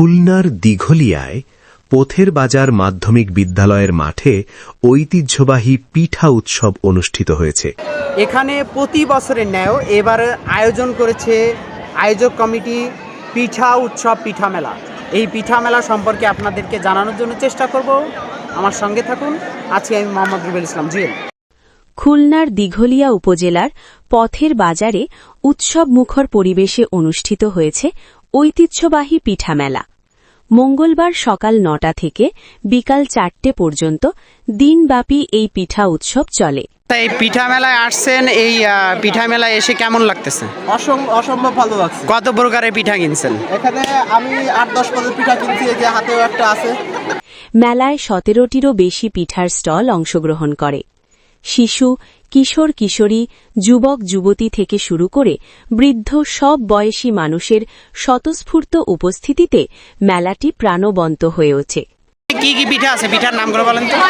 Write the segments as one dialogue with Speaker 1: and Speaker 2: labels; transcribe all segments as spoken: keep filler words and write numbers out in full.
Speaker 1: খুলনার দিঘলিয়ায় পথের বাজার মাধ্যমিক বিদ্যালয়ের মাঠে ঐতিহ্যবাহী পিঠা উৎসব অনুষ্ঠিত হয়েছে।
Speaker 2: এখানে প্রতি বছরের ন্যায় এবার আয়োজন করেছে আয়োজক কমিটি পিঠা উৎসব পিঠা মেলা। এই পিঠা মেলা সম্পর্কে আপনাদেরকে জানানোর জন্য চেষ্টা করব, আমার সঙ্গে থাকুন। আজকে আমি মোহাম্মদ রুবেল ইসলাম জুয়েল।
Speaker 3: খুলনার দিঘলিয়া উপজেলার পথের বাজারে উৎসব মুখর পরিবেশে অনুষ্ঠিত হয়েছে ঐতিহ্যবাহী পিঠা মেলা। মঙ্গলবার সকাল নটা থেকে বিকাল চারটে পর্যন্ত দিনব্যাপী এই পিঠা উৎসব চলে।
Speaker 2: এই পিঠা মেলায় আসছেন, এই পিঠা মেলায় এসে কেমন লাগতেছে?
Speaker 4: অসম্ভব ভালো লাগছে।
Speaker 2: কত প্রকারের পিঠা কিনছেন?
Speaker 4: এখানে আমি আট দশ পদের পিঠা কিনছি, এই যে হাতেও একটা আছে।
Speaker 3: মেলায় সতেরোটিরও বেশি পিঠার স্টল অংশগ্রহণ করে। শিশু, কিশোর কিশোরী, যুবক যুবতী থেকে শুরু করে বৃদ্ধ সব বয়সী মানুষের স্বতঃস্ফূর্ত উপস্থিতিতে মেলাটি প্রাণবন্ত হয়ে ওঠে।
Speaker 2: কি কি পিঠা আছে? পিঠার নামগুলো বলেন তো।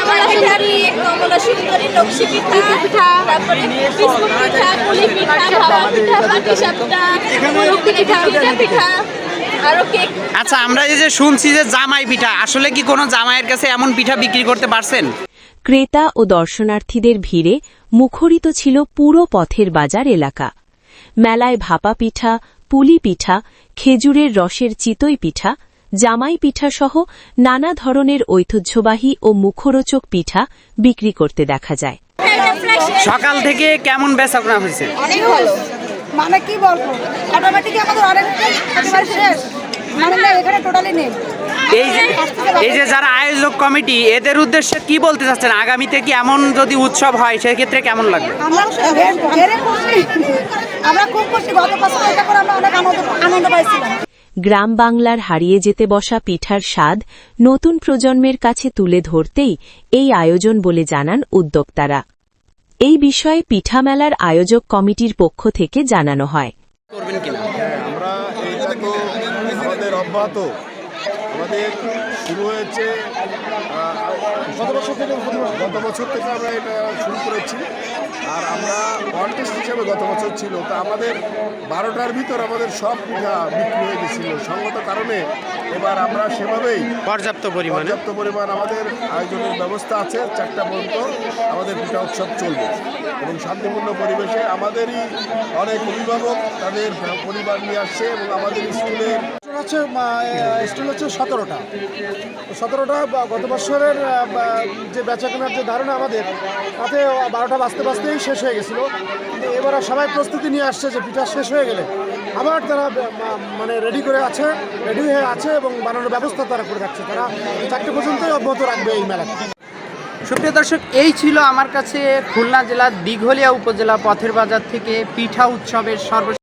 Speaker 2: আচ্ছা, আমরা এই যে শুনছি যে জামাই পিঠা, আসলে কি কোনো জামাইয়ের কাছে এমন পিঠা বিক্রি করতে পারছেন?
Speaker 3: ক্রেতা ও দর্শনার্থীদের ভিড়ে মুখরিত ছিল পুরো পথের বাজার এলাকা। মেলায় ভাপা পিঠা, পুলি পিঠা, খেজুরের রসের চিতই পিঠা, জামাই পিঠা সহ নানা ধরনের ঐতিহ্যবাহী ও মুখরোচক পিঠা বিক্রি করতে দেখা যায়।
Speaker 2: সকাল থেকে কেমন বেচাকেনা হয়েছে?
Speaker 5: অনেক ভালো, মানে কি বলবো, অটোমেটিক আমাদের অনেক একেবারে শেষ, মানে এখানে টোটালি নেই।
Speaker 2: এই যে এই যে যারা আয়োজক কমিটি, এদের উদ্দেশ্যে কি বলতে চাচ্ছেন? আগামীতে কি এমন যদি উৎসব হয় সেক্ষেত্রে কেমন লাগবে?
Speaker 5: আমরা খুশি, আমরা খুব খুশি। গত বছর এটা করে আমরা অনেক আনন্দ আনন্দ পাইছিলাম।
Speaker 3: গ্রাম বাংলার হারিয়ে যেতে বসা পিঠার স্বাদ নতুন প্রজন্মের কাছে তুলে ধরতেই এই আয়োজন বলে জানান উদ্যোক্তারা। এই বিষয়ে পিঠা মেলার আয়োজক কমিটির পক্ষ থেকে জানানো হয়।
Speaker 6: করবেন কিনা? আমরা এটা তো আমাদের অব্যাহত, আমাদের শুরু হয়েছে গত বছর থেকে গত বছর থেকে আমরা এটা শুরু করেছি। আর আমরা কন্টেস্ট হিসেবে গত বছর ছিল, তা আমাদের বারোটার ভিতর আমাদের সব পিঠা বিক্রি হয়ে গেছিল। সঙ্গত কারণে এবার আমরা সেভাবেই
Speaker 2: পর্যাপ্ত পরিমাণ
Speaker 6: পর্যাপ্ত পরিমাণ আমাদের আয়োজনের ব্যবস্থা আছে। চারটা পর্যন্ত আমাদের পিঠা উৎসব চলবে এবং শান্তিপূর্ণ পরিবেশে। আমাদেরই অনেক অভিভাবক তাদের পরিবার নিয়ে আসছে এবং আমাদের স্কুলের
Speaker 4: হচ্ছে স্টল হচ্ছে সতেরোটা সতেরোটা গত বছরের যে বেচাকেনার যে ধারণা আমাদের, তাতে বারোটা বাজতে বাজতেই শেষ হয়ে গেছিলো। এবার সবাই প্রস্তুতি নিয়ে আসছে যে পিঠা শেষ হয়ে গেলে আবার তারা মানে রেডি করে আছে, রেডি হয়ে আছে এবং বানানোর ব্যবস্থা তারা করে রাখছে। তারা চারটে পর্যন্তই অব্যাহত রাখবে এই মেলাকে।
Speaker 2: সুপ্রিয় দর্শক, এই ছিল আমার কাছে খুলনা জেলার দিঘলিয়া উপজেলা পথের বাজার থেকে পিঠা উৎসবের সর্ব